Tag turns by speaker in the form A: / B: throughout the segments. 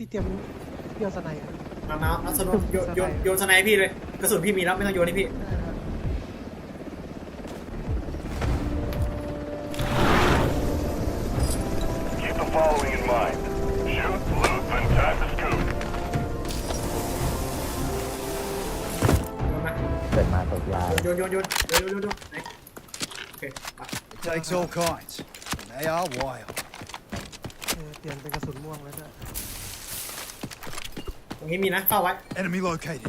A: พี่เตรียมเกี่ยวสไนด์
B: มาเอาสนุกโยนสไนให้พี่เลยกระสุนพี่มีแล้วไม่ต้องโยนให้พี่
C: Keep the following in mind. Shoot, loot, then tag the scoop.
B: โยนมา
D: เกิดมาตกยา
B: โยนไหนโอเคไป
E: It takes all kinds, and they are wild.
A: เปลี่ยนเป็นกระสุนม่วงแล้วด้วย
B: ตรงนี้มีนะเฝ้าไว้
E: Enemy located.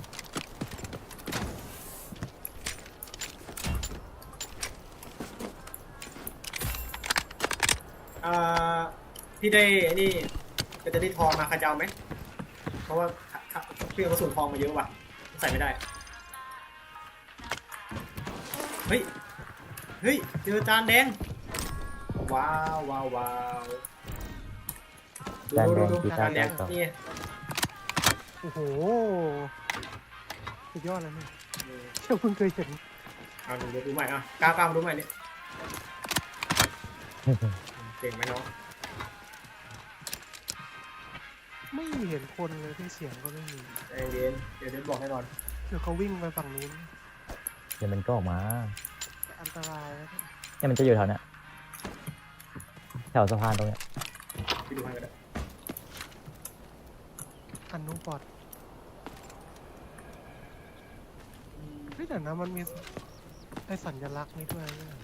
B: พี่ได้นี่ก็จะได้ทองมาคาเจ้าไหมเพราะว่าพี่เอากระสุนทองมาเยอะว่ะใส่ไม่ได้เฮ้ยเจอจานแดงว้าวดูจานแดงนี่
A: โอ้โหสุดยอดเลยนี่เชื่อคุณเคยเห็น
B: เอาดูใหม่ก้าวมาดูใหม่นี่เก่งไหมน้อง
A: ไม่เห็นคนเลยที่เสียงก็ไม่มี
B: ใจเย็นเดี๋ยวบอกแน่นอน
A: เดี๋ยวเขาวิ่งไปฝั่งนู้น
D: เดี๋ยวมันก็ออกมา
A: อันตรายนะ
D: เนี่ยมันจะอยู่แถวเนี้ยแถวสะพานตรงเนี้ย
B: พี่ดูให้ก็ได้
A: อันนู้นปลอดเฮ้ยแต่นะมันมีไอสัญลักษณ์นี่ด้วยเนี่ย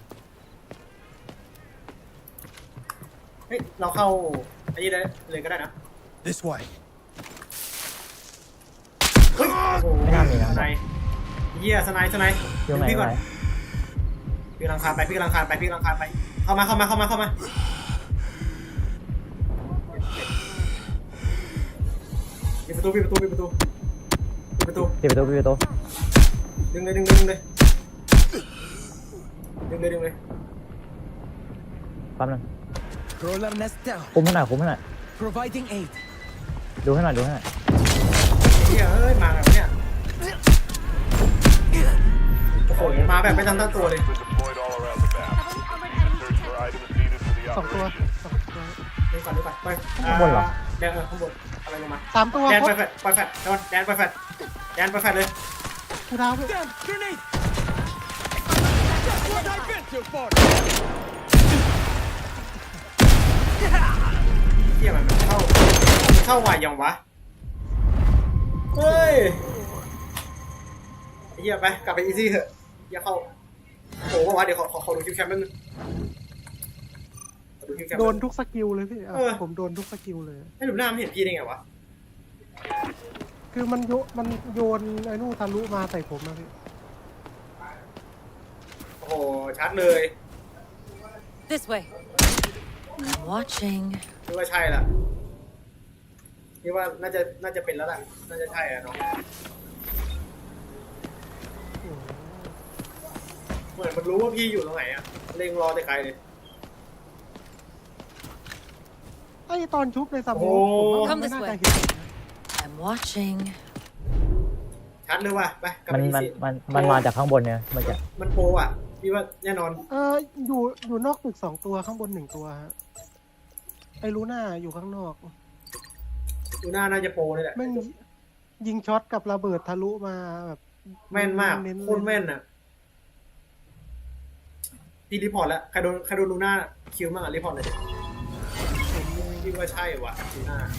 B: เฮ้ยเราเข้าอันนี้เลยก็ได้นะ
E: This way.
B: เฮ้ยโอ้โหสไนเยี่ยสไน
D: อยู่ไหน
B: พี่ก่อน
D: ไหน
B: พี่กำลังคานไปเข้ามาปิดประตูดึงเลย
D: ปิดประตู แป๊บนึง
F: Roller nest down.
D: คุมให้หน่อย
F: Providing aid.
D: ดูให้หน่อย
B: เฮ้ยมาแบบเนี้ยโอ้โหมาแบบไม่ตั้งตัวเลย
C: Been deployed all around the map. Search for items needed for the
A: สองตัว
C: operation.
A: สองตัว
B: เดินก่อนไปข้างบนข้างบนอะไรลงมา
A: 3 ตัว
B: แดน
A: ค
B: ไป
A: รบ
B: แฟดแดนไปแฟดเลย
A: กูดาวด้วย
F: Damn, grenade!
B: เที่ยมันเข้าไหวยังวะเฮ้ยเฮียไปกลับไปอีซี่เถอะเฮียเข้าโอ้โหวะเดี๋ยวขอดูคิวแคมป์แป๊บนึงดูคิวแคมป์
A: โดนทุกสกิลเลยพี่
B: เออ
A: ผมโดนทุกสกิลเลย
B: ไม่ดูหน้ามันเห็นพี่ได้ไงวะ
A: คือมันโยนไอ้นู่นทะลุมาใส่ผมนะพี่
B: โอ้โหชัดเลย
G: This way. I'm watching.
B: คิดว่าใช่ละคิดว่าน่าจะเป็นแล้วล่ะน่าจะใช่อะเนาะเหมือนมันรู้ว่าพี่อยู่ตรงไหนอะเล็งรอแต่ไกลเลย
A: ไอ้ตอนชุบในสม
B: โอ้
A: องผมว่ามันไม่น่าจะเห็น
G: I'm watching.
B: ชัดเลยว่ะไปกลับ
D: มัน
B: ไปอี
D: มัน
B: ซี่
D: มันมาจากข้างบนเนี่ยมันจะ
B: มันโปรอ่ะพี่ว่าแน่นอน
A: อยู่นอกตึก2 ตัวข้างบน1 ตัวฮะไอ้ลูน่าอยู่ข้างนอก
B: ดูหน้าน่าจะโปรเลยแหละ
A: แม่งยิงช็อตกับระเบิดทะลุมาแบบ
B: แม่นมาก
A: เน้นๆ
B: โคตรแม่นอ่ะพี่รีพอร์ตแล้วใครโดนลูน่าคิวมากอ่ะรีพอร์ตเลยดิพี่ว่าใช่ว่ะลูน่า